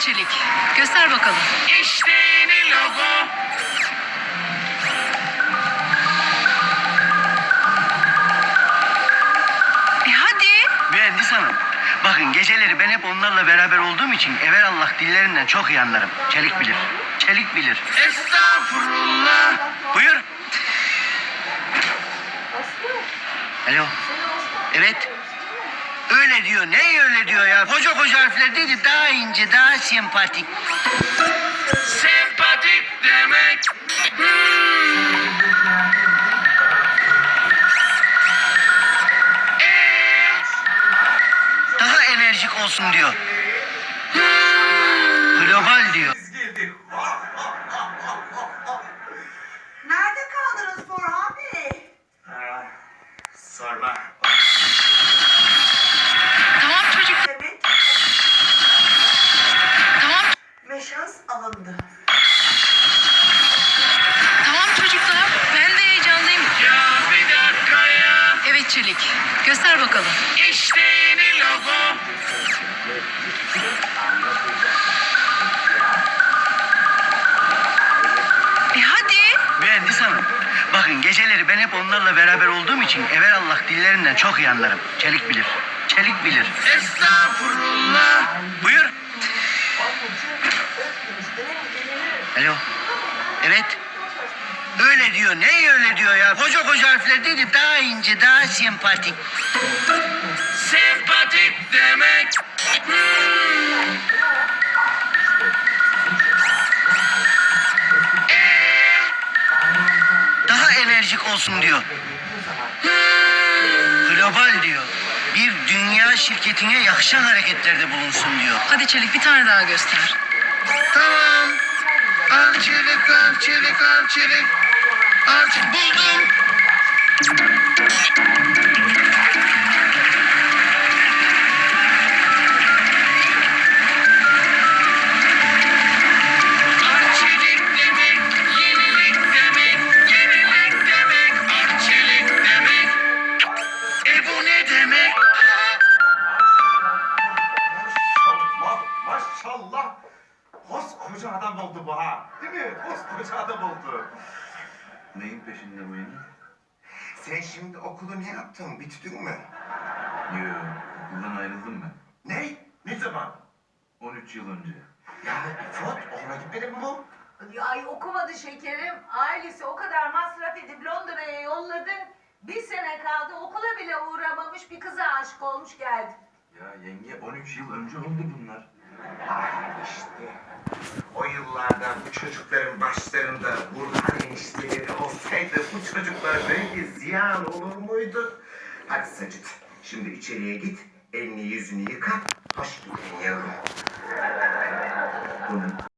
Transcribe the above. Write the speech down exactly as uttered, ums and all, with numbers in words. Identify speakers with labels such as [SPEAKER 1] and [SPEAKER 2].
[SPEAKER 1] Evet Çelik. Göster bakalım.
[SPEAKER 2] İşte yeni logo.
[SPEAKER 1] E hadi.
[SPEAKER 3] Mühendis hanım, bakın geceleri ben hep onlarla beraber olduğum için evelallah dillerinden çok iyi anlarım. Çelik bilir, Çelik bilir.
[SPEAKER 2] Estağfurullah.
[SPEAKER 3] Buyur. Alo. Evet. Öyle diyor. Ne öyle diyor ya? Koca koca harfler değil, daha ince, daha sempatik.
[SPEAKER 2] Sempatik demek. Hmm. Ee,
[SPEAKER 3] Daha enerjik olsun diyor. Global diyor.
[SPEAKER 4] Nerede kaldınız Burhan Bey?
[SPEAKER 2] sorma.
[SPEAKER 1] Tamam çocuk.
[SPEAKER 4] Evet,
[SPEAKER 1] Tamam.
[SPEAKER 4] meşas alındı.
[SPEAKER 1] Tamam çocuklar. Ben de heyecanlıyım.
[SPEAKER 2] Ya bir dakika ya.
[SPEAKER 1] Evet Çelik. Göster bakalım.
[SPEAKER 2] İşte yeni logo.
[SPEAKER 1] E hadi.
[SPEAKER 3] Mühendis hanım, bakın geceleri ben hep onlarla beraber olduğum için evelallah dillerinden çok iyi anlarım. Çelik bilir, Çelik bilir.
[SPEAKER 2] Estağfurullah.
[SPEAKER 3] Buyur. Alo. Evet. Öyle diyor. Ne öyle diyor ya? Koca koca harfler değil, daha ince, daha sempatik.
[SPEAKER 2] Sempatik demek. Hmm. Ee,
[SPEAKER 3] Daha enerjik olsun diyor. Global diyor. Bir dünya şirketine yakışan hareketlerde bulunsun diyor.
[SPEAKER 1] Hadi Çelik bir tane daha göster.
[SPEAKER 2] tamam. Al çelik, al çelik, al çelik. Al çelik. Buldum. Arçelik demek, yenilik demek, yenilik demek, arçelik demek. E bu ne demek?
[SPEAKER 5] Maşallah, maşallah. Koskoca adam oldu bu ha. Değil mi? Koskoca adam oldu.
[SPEAKER 6] Neyin peşinde bu yine?
[SPEAKER 5] Sen şimdi okulu ne yaptın? Bitirdin mi?
[SPEAKER 6] Yo, okuldan ayrıldım ben.
[SPEAKER 5] Ne? Ne zaman?
[SPEAKER 6] on üç yıl önce.
[SPEAKER 5] Ya İfot, okula gitmedin mi bu?
[SPEAKER 7] Ay okumadı şekerim. Ailesi o kadar masraf edip Londra'ya yolladı. Bir sene kaldı okula bile uğramamış bir kıza aşık olmuş geldi.
[SPEAKER 6] Ya yenge on üç yıl önce oldu bunlar.
[SPEAKER 5] Ay işte. O yıllarda bu çocukların başlarında Burhan enişteleri olsaydı bu çocuklar böyle ziyan olur muydu? Hadi Sacit, şimdi içeriye git, elini yüzünü yıka, hoş geldin yavrum.
[SPEAKER 6] Bunun